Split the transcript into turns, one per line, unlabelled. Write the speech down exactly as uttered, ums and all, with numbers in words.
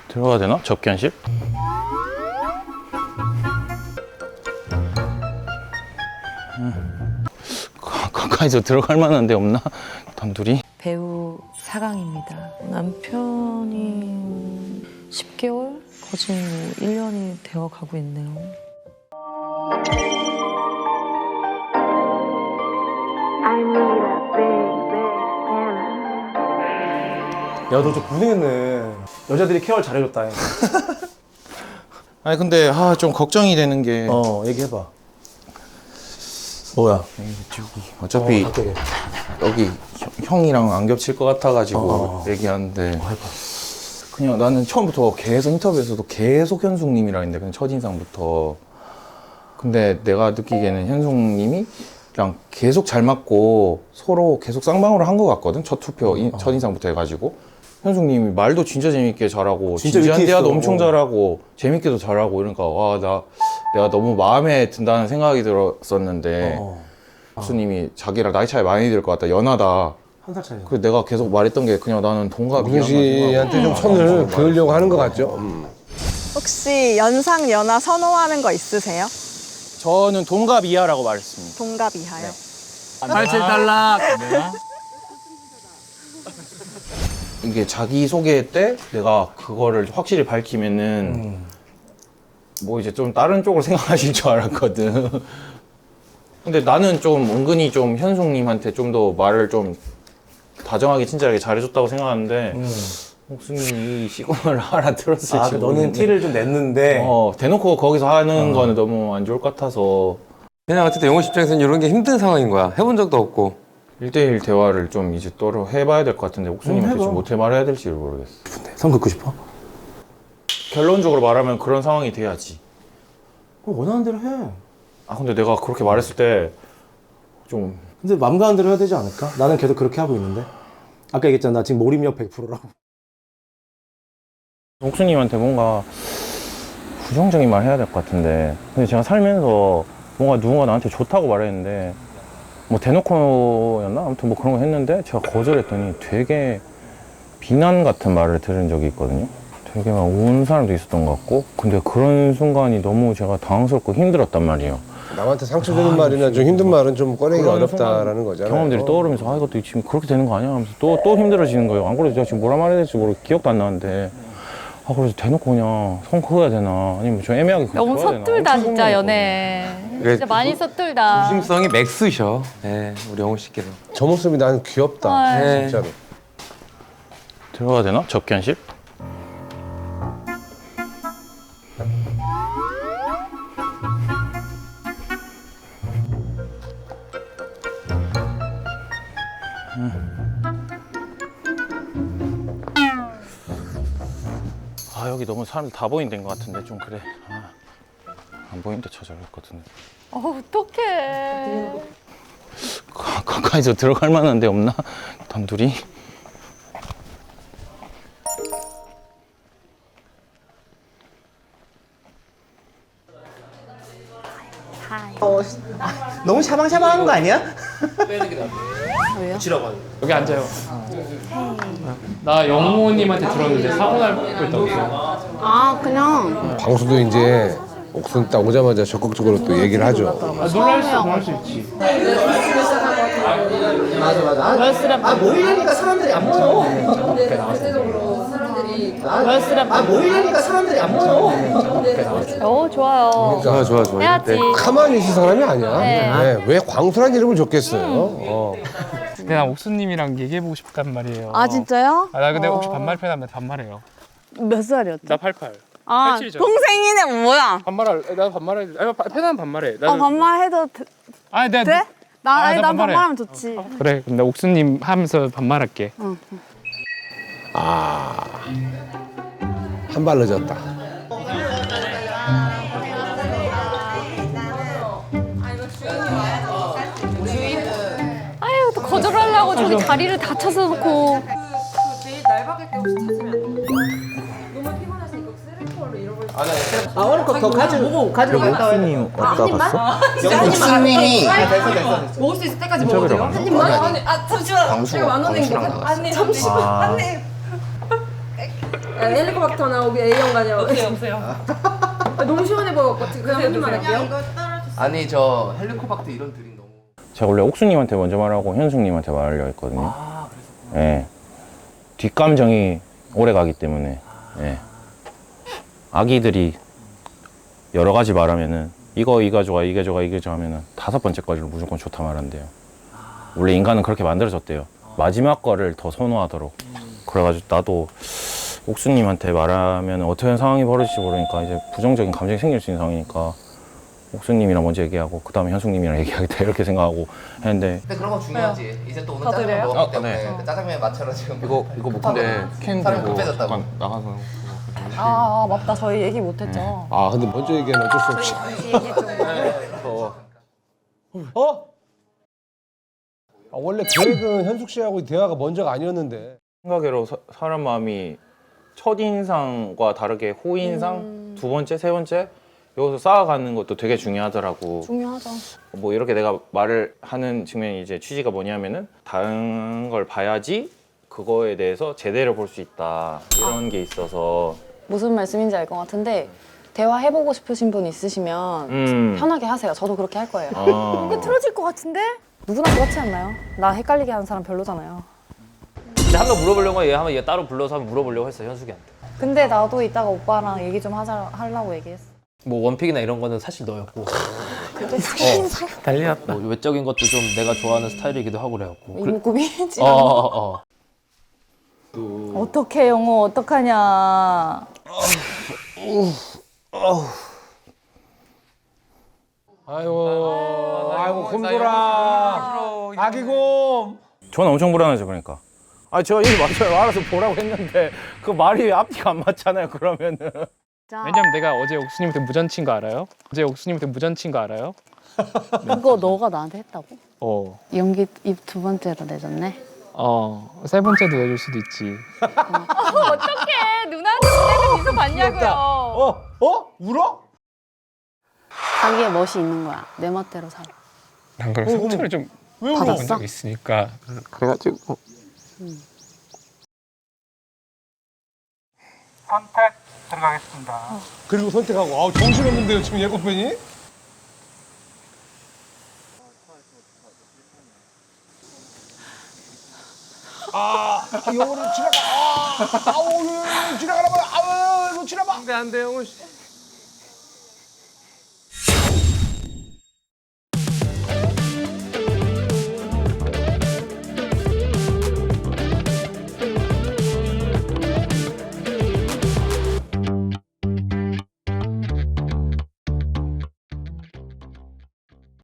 들어가야 되나? 접견실? 음. 가, 가까이서 들어갈 만한 데 없나? 단둘이?
배우 사강입니다. 남편이 십 개월? 거진 뭐 일 년이 되어 가고 있네요.
야, 너 좀 고생했네. 여자들이 케어를 잘해줬다.
아니 근데 아, 좀 걱정이 되는 게
어, 얘기해봐. 뭐야?
저기 어차피
어, 갑자기.
여기 형, 형이랑 안 겹칠 것 같아가지고
어.
얘기하는데
해봐.
그냥 나는 처음부터 계속 인터뷰에서도 계속 현숙님이라 했는데 그냥 첫인상부터. 근데 내가 느끼기에는 현숙님이 그냥 계속 잘 맞고 서로 계속 쌍방으로 한 것 같거든. 첫 투표 인,
어.
첫인상부터 해가지고 현숙님이 말도 진짜 재밌게 잘하고
진짜
진지한
위트
대화도
있어.
엄청
어.
잘하고 재밌게도 잘하고 이러니까 와, 나 내가 너무 마음에 든다는 생각이 들었었는데
어.
교수님이 자기랑 나이 차이 많이 들 것 같다, 연하다.
한 살 차이.
그 내가 계속 말했던 게 그냥 나는 동갑이야.
우근 씨한테 좀 선을 그으려고 하는 것 같죠? 음.
혹시 연상 연하 선호하는 거 있으세요?
저는 동갑 이하라고 말했습니다.
동갑 이하요?
팔칠 탈락.
이게 자기 소개 때 내가 그거를 확실히 밝히면은
음.
뭐 이제 좀 다른 쪽으로 생각하실 줄 알았거든. 근데 나는 좀 은근히 좀 현숙님한테 좀 더 말을 좀 다정하게 친절하게 잘해줬다고 생각하는데
음.
옥수님이 이 시그널을 알아들었을지
아, 그 너는
모르겠네.
티를 좀 냈는데.
어, 대놓고 거기서 하는
어.
거는 너무 안 좋을 것 같아서
그냥 어쨌든 영호 씨 입장에서는 이런 게 힘든 상황인 거야. 해본 적도 없고.
일대일 대화를 좀 이제 또 해봐야 될 것 같은데 옥수님한테
음, 해봐.
좀 어떻게 말해야 될지 모르겠어.
성 긋고 싶어?
결론적으로 말하면 그런 상황이 돼야지.
그럼 원하는 대로 해.
아 근데 내가 그렇게 말했을 때 좀
근데 맘 가는 대로 해야 되지 않을까? 나는 계속 그렇게 하고 있는데. 아까 얘기했잖아. 나 지금 몰입력 백 퍼센트라고.
옥수님한테 뭔가 부정적인 말 해야 될 것 같은데 근데 제가 살면서 뭔가 누군가 나한테 좋다고 말했는데 뭐 대놓고였나? 아무튼 뭐 그런 거 했는데 제가 거절했더니 되게 비난 같은 말을 들은 적이 있거든요. 되게 막 우는 사람도 있었던 것 같고 근데 그런 순간이 너무 제가 당황스럽고 힘들었단 말이에요.
남한테 상처 주는 말이나 좀 힘든 말은 좀 꺼내기가
그런
어렵다라는 거잖아요.
경험들이 떠오르면서 아 이것도 지금 그렇게 되는 거 아니야 하면서 또, 또 힘들어지는 거예요. 안 그래도 제가 지금 뭐라 말해야 될지 모르고 기억도 안 나는데 아 그래서 대놓고 그냥 손 그어야 되나 아니면 좀 애매하게
너무
둬야 되나?
서툴다
엄청
진짜
고민했거든요.
연애.
그래,
진짜 많이 서툴다.
조심성이 맥스셔. 네, 우리 영호 씨께는.
저 모습이 나는 귀엽다.
네.
진짜로.
들어가야 되나? 접견실? 아 여기 너무 사람들 다 보이는 데인 것 같은데 좀 그래. 아, 안 보이는 데 찾아갈 것 같은데.
어, 어떡해.
가, 가까이서 들어갈 만한 데 없나? 단둘이?
너무 샤방샤방한 거 아니야?
여기 앉아요. 나 영호님한테 들었는데 사고 날 뻔했다고.
아 그냥
광수도 이제 옥순 딱 오자마자 적극적으로 또 얘기를 하죠.
아, 놀랄 수, 놀랄 수 있지.
맞아 맞아. 아, 아 모이려니까 사람들이 안 모여. 아 모이려니까 사람들이 안 모여.
어, 좋아요.
좋아, 좋아, 좋아.
해야지.
네.
가만히 있을 사람이 아니야.
네.
네, 왜 광수란 이름을 줬겠어요? 어.
근데 나 옥수님이랑 얘기해보고 싶단 말이에요.
아 진짜요?
아, 나 근데 혹시 반말 편하면 반말해요.
몇 살이었죠?
나 팔십팔.
아
팔십칠이잖아.
동생이네 뭐야?
반말할, 나 반말해. 아니, 편하면 반말해. 나는,
어 반말해도 돼?
아니, 내가.
돼? 나,
아,
아니,
나
난
반말해.
반말하면 좋지.
그래, 그럼 나 옥수님 하면서 반말할게.
아, 한 발 늦었다.
아유, 또 거절하려고 저기 다리를 다 쳐서 놓고.
아 오늘 거더 가지고 가지러 갔다 와야 돼.
옥수님 왔다 갔어?
옥수님이
먹을 수 있을 때까지 먹어도 돼요? 한 입만? 아니, 아 잠시만. 제가 만 원인 거. 아니 잠시만.
아.
아니. 헬리코박터나 여기 A형 가냐고. 없어요, 없어요. 너무 시원해 보여갖고 그냥 한 입만 할게요.
아니 저 헬리코박터 이런 드림 너무.
제가 원래 옥수님한테 먼저 말하고 현숙님한테 말하려고 했거든요.
아 그래서.
예. 뒷감정이 오래 가기 때문에. 예. 아기들이 여러 가지 말하면은 이거 이거 좋아 이게 좋아 이게 좋아 하면은 다섯 번째 거를 무조건 좋다 말한대요. 원래 인간은 그렇게 만들어졌대요. 마지막 거를 더 선호하도록. 그래가지고 나도 옥수님한테 말하면 어떤 상황이 벌어질지 모르니까 이제 부정적인 감정이 생길 수 있는 상황이니까 옥수님이랑 먼저 얘기하고 그 다음에 현숙님이랑 얘기하겠다 이렇게 생각하고 했는데.
근데 그런 거 중요하지. 이제 또 오늘
다
짜장면
드려요?
먹었기
어,
때문에
네.
그 짜장면 맛처럼 지금
이거 이거 뭐 근데 캔
사람이
들고
급해졌다고.
잠깐 나가서.
아, 아 맞다. 저희 얘기 못했죠.
아 근데 먼저 얘기하면 어쩔 수 없이.
어? 아, 원래 계획은 현숙 씨하고 대화가 먼저가 아니었는데.
생각외로 사, 사람 마음이 첫인상과 다르게 호인상 두 번째 세 번째 여기서 쌓아가는 것도 되게 중요하더라고.
중요하죠.
뭐 이렇게 내가 말을 하는 측면이 이제 취지가 뭐냐면은 다른 걸 봐야지 그거에 대해서 제대로 볼 수 있다 이런 게 있어서.
무슨 말씀인지 알 것 같은데 대화해보고 싶으신 분 있으시면
음.
편하게 하세요. 저도 그렇게 할 거예요.
아.
이거 틀어질 것 같은데?
누구나 그렇지 않나요? 나 헷갈리게 하는 사람 별로잖아요.
근데 한번 물어보려고 얘 한번 얘 따로 불러서 한번 물어보려고 했어 현숙이한테.
근데 나도 이따가 오빠랑 얘기 좀 하자 하려고 얘기했어.
뭐 원픽이나 이런 거는 사실 너였고.
근데
달렸다.
뭐 외적인 것도 좀 내가 좋아하는 스타일이기도 하고 그래갖고.
이목구비지.
어, 어, 어.
어떡해, 영호. 어떡하냐.
아이고, 아이고, 곰돌아. 아기곰.
저는 엄청 불안하죠, 그러니까. 아, 제가 일 맞춰요. 알아서 보라고 했는데 그 말이 앞뒤가 안 맞잖아요, 그러면은.
왜냐면 내가 어제 옥수님한테 무전 친 거 알아요? 어제 옥수님한테 무전 친 거 알아요?
그거 너가 나한테 했다고?
어.
연기 입 두 번째로 내줬네.
어. 세 번째도 내줄 수도 있지.
어떡해. 누나한테 무대는 미소 봤냐고요.
어? 어? 울어?
자기의 멋이 있는 거야. 내 멋대로 살아.
난 그런 상처를 좀 받아본 적이 있으니까. 그래가지고. 선택 들어가겠습니다.
그리고 선택하고. 아우, 정신없는데요, 지금 예고편이? 아, 아 영어로 지나가. 아, 아우, 지나가라. 아우, 이거 지나가.
안돼 안돼 영호 씨.